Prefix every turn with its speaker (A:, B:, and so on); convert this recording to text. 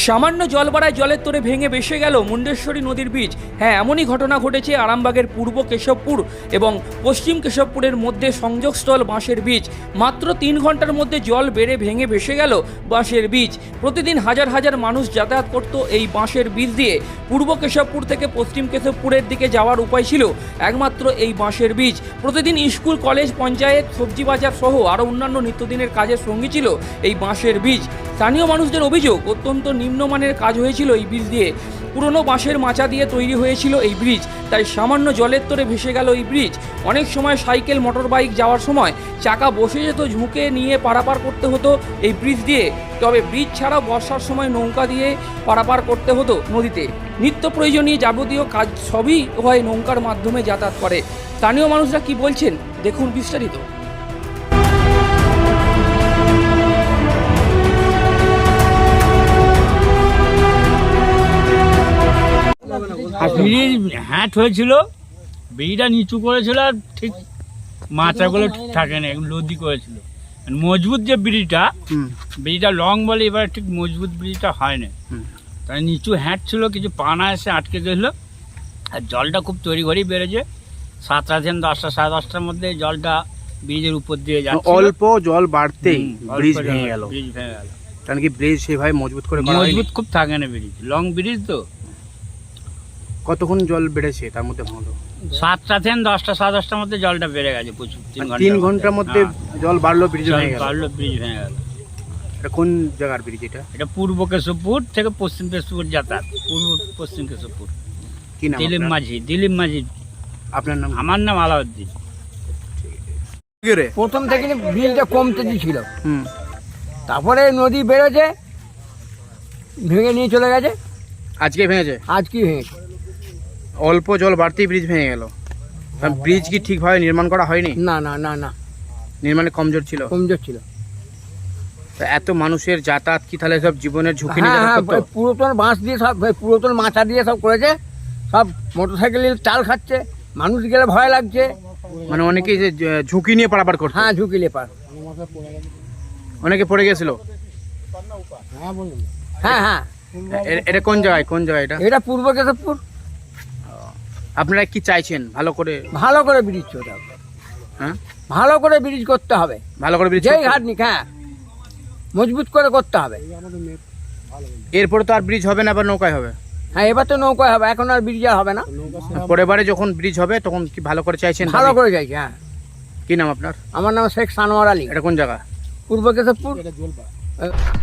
A: সামান্য জল বাড়ায় জলের তোরে ভেঙে ভেসে গেল মুন্ডেশ্বরী নদীর ব্রিজ। হ্যাঁ, এমনই ঘটনা ঘটেছে আরামবাগের পূর্ব কেশবপুর এবং পশ্চিম কেশবপুরের মধ্যে সংযোগস্থল বাঁশের ব্রিজ। মাত্র 3 ঘন্টার মধ্যে জল বেড়ে ভেঙে ভেসে গেল বাঁশের ব্রিজ। প্রতিদিন হাজার হাজার মানুষ যাতায়াত করত এই বাঁশের ব্রিজ দিয়ে। পূর্ব কেশবপুর থেকে পশ্চিম কেশবপুরের দিকে যাওয়ার উপায় ছিল একমাত্র এই বাঁশের ব্রিজ। প্রতিদিন স্কুল, কলেজ, পঞ্চায়েত, সবজি বাজার সহ আরও অন্যান্য নিত্যদিনের কাজের সঙ্গী ছিল এই বাঁশের ব্রিজ। স্থানীয় মানুষদের অভিযোগ, অত্যন্ত নিম্নমানের কাজ হয়েছিল এই ব্রিজ দিয়ে। পুরনো বাঁশের মাচা দিয়ে তৈরি হয়েছিল এই ব্রিজ, তাই সামান্য জলের তোরে ভেসে গেল এই ব্রিজ। অনেক সময় সাইকেল, মোটর বাইক যাওয়ার সময় চাকা বসে যেত, ঝুঁকে নিয়ে পারাপার করতে হতো এই ব্রিজ দিয়ে। তবে ব্রিজ ছাড়াও বর্ষার সময় নৌকা দিয়ে পারাপার করতে হতো নদীতে। নিত্য প্রয়োজনীয় যাবতীয় কাজ সবই হয় নৌকার মাধ্যমে যাতায়াত করে। স্থানীয় মানুষরা কি বলছেন দেখুন বিস্তারিত।
B: ব্রিজ হ্যাট হয়েছিল, ব্রিজটা নিচু করেছিল, আর ঠিক মাথাগুলো ঠিক থাকে না, লদি করেছিল। মজবুত যে ব্রিজটা লং বলে, এবার ঠিক মজবুত ব্রিজটা হয় না, তাই নিচু হ্যাট ছিল, কিছু পানা এসে আটকে গেছিলো। আর জলটা খুব তৈরি ঘরেই বেড়েছে। 7টা থেকে 10টা, 10:30টার মধ্যে জলটা ব্রিজের উপর দিয়ে যাচ্ছে।
C: অল্প জল বাড়তেই ব্রিজ ভেঙে গেল। কারণ কি ব্রিজ সেভাবে মজবুত করে
B: মজবুত খুব থাকে না ব্রিজ, লং ব্রিজ তো।
C: কতক্ষণ জল বেড়েছে তার মধ্যে ভাঙলো?
B: 7টা থেকে 10টা, 10:30টার মধ্যে জলটা বেড়ে গেছে প্রচুর।
C: 3 ঘন্টার মধ্যে জল বাড়লো, ব্রিজ ভেঙে গেল।
B: ব্রিজ ভেঙে গেল।
C: এটা কোন জায়গার ব্রিজ এটা?
B: এটা পূর্ব কেশবপুর থেকে পশ্চিম কেশবপুর যাতায়াত। পূর্ব পশ্চিম কেশবপুর।
C: কি নাম?
B: দিলীপ মাঝি।
C: আপনার নাম?
B: আমার নাম আলাউদ্দিন।
D: প্রথম থেকে ব্রিজটা কমতে ছিল, তারপরে নদী বেড়েছে, ভেঙে নিয়ে চলে গেছে।
C: আজকে ভেঙেছে?
D: আজকে ভেঙেছে।
C: অল্প জল বাড়তেই ব্রিজ ভেঙে গেল। ব্রিজ কি ঠিকভাবে নির্মাণ করা হয়নি?
D: না না না না,
C: নির্মাণে কমজোর ছিল। এত মানুষের যাতায়াত কি তাহলে সব জীবনের ঝুঁকি নিয়ে?
D: পুরাতন বাঁশ দিয়ে সব, পুরাতন মাচা দিয়ে সব করেছে, সব মোটরসাইকেলের চাল খাচ্ছে, মানুষ গেলে ভয় লাগছে।
C: মানে অনেকেই যে ঝুঁকি নিয়ে পারাপার করছে।
D: হ্যাঁ, ঝুঁকি নিয়ে পার,
C: অনেকে পড়ে গেছিল।
D: হ্যাঁ হ্যাঁ।
C: এটা কোন জায়গায় এটা?
D: এটা পূর্ব কেশবপুর।
C: আপনারা কি চাইছেন? ভালো করে
D: ব্রিজ করতে হবে।
C: হ্যাঁ,
D: ভালো করে ব্রিজ করতে হবে।
C: ভালো করে ব্রিজ,
D: যেই ঘাট নিক, হ্যাঁ, মজবুত করে করতে হবে।
C: এরপরে তো আর ব্রিজ হবে না, আবার নৌকায় হবে।
D: হ্যাঁ, এবার তো নৌকায় হবে, এখন আর ব্রিজ আর হবে না।
C: পরের বারে যখন ব্রিজ হবে তখন কি ভালো করে চাইছেন?
D: ভালো করে চাইছি, হ্যাঁ।
C: কি নাম আপনার?
D: আমার নাম শেখ সানোয়ার আলী।
C: এটা কোন জায়গা?
D: পূর্ব কেশবপুর।